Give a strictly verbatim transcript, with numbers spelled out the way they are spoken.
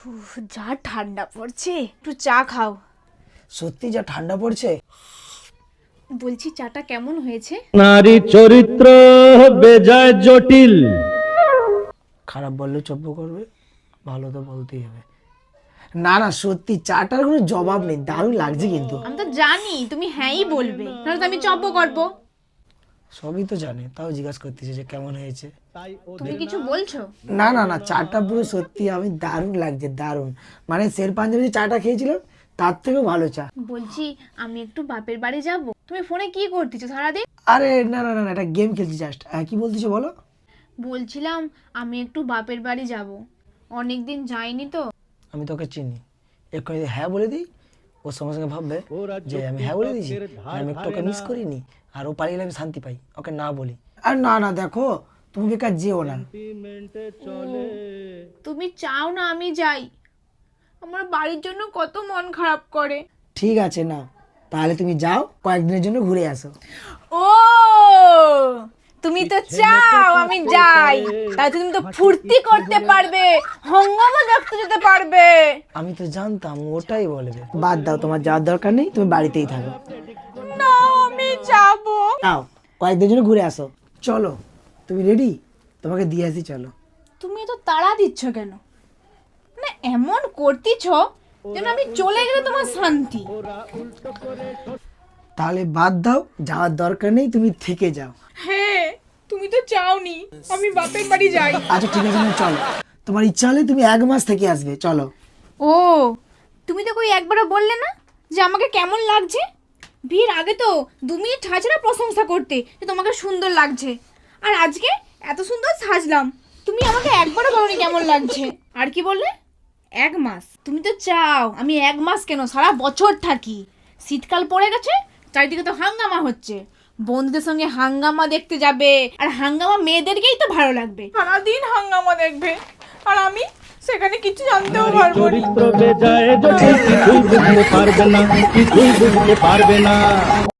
উফ, যা ঠান্ডা পড়ছে, একটু চা খাও। সত্যি যা ঠান্ডা পড়ছে। বলছি চাটা কেমন হয়েছে? নারী চরিত্র বেজায় জটিল। খারাপ বললে চব্য করবে, ভালো তো বলতেই হবে। না না সত্যি চাটার কোনো জবাব নেই, দারুণ লাগছে কিন্তু। আমি তো জানি তুমি হ্যাঁই বলবে, নাহলে তো আমি চব্য করবো। সবই তো জানে, তাও জিজ্ঞাসা করতেছে যে কেমন হয়েছে। তুমি কিছু বলছো? না না না চাটা পুরো সত্যি আমি দারুণ লাগছে, দারুণ। মানে শের পাঞ্জাবি যে চাটা খেয়েছিলাম তার থেকেও ভালো চা। বলছি আমি একটু বাপের বাড়ি যাব। তুমি ফোনে কি করতেছো সারাদিন? আরে না না না না এটা গেম খেলছি জাস্ট। কি বলতেছো বলো? বলছিলাম আমি একটু বাপের বাড়ি যাব, অনেকদিন যাইনি তো। আমি তোকে চিনি, এক্ষুনি যদি হ্যাঁ বলে দিই ওর সঙ্গে সঙ্গে ভাববে যে আমি হ্যাঁ বলে দিয়েছি, আর আমি একটু ওকে মিস করিনি, আর ও পালিয়ে গেলে আমি শান্তি পাই, ওকে না বলি। আর না না দেখো তুমি বেকার যেও না। তুমি চাও না আমি যাই? আমার বাড়ির জন্য কত মন খারাপ করে। ঠিক আছে না, তাহলে তুমি যাও, কয়েকদিনের জন্য ঘুরে আসো। ও তুমি তো চাও আমি যাই, তাহলে তুমি তো ফুর্তি করতে পারবে, হঙ্গামা দেখতে যেতে পারবে। আমি তো জানতাম ওটাই বলবে। বাদ দাও, তোমার যাওয়ার দরকার নেই, তুমি বাড়িতেই থাকো। না আমি যাব। যাও কয়েকদিনের জন্য ঘুরে আসো। চলো তুমি রেডি? তোমাকে দিয়ে আসি, চলো। তুমি তো তাড়া দিচ্ছ কেন? না এমন করতেছ যেন আমি চলে গেলে তোমার শান্তি। তাহলে বাদ দাও, যাওয়ার দরকার নেই, তুমি থেকে যাও। হ্যাঁ তুমি তো চাওনি আমি বাপের বাড়ি যাই। আচ্ছা ঠিক আছে না, চলো। তোমার ইচ্ছা হলে তুমি এক মাস থেকে আসবে, চলো। ও তুমি তো কই একবারও বললে না যে আমাকে কেমন লাগছে? বিয়ের আগে তো দু মিনিট ছাড়া প্রশংসা করতে যে তোমাকে সুন্দর লাগছে, আর আজকে এত সুন্দর সাজলাম তুমি আমাকে একবারও বলোনি কেমন লাগছে। আর কি বললে? এক মাস? তুমি তো চাও আমি এক মাস কেন সারা বছর থাকি। শীতকাল পড়ে গেছে, চারিদিকে তো হাঙ্গামা হচ্ছে, বন্ধুদের সঙ্গে হাঙ্গামা দেখতে যাবে, আর হাঙ্গামা মেয়েদেরকেই তো ভালো লাগবে, সারাদিন হাঙ্গামা দেখবে, আর আমি সেখানে কিছু জানতেও পারবো না। চরিত্র বেজায় জটিল, কিছুই বুঝতে পারবে না, কিছুই বুঝতে পারবে না।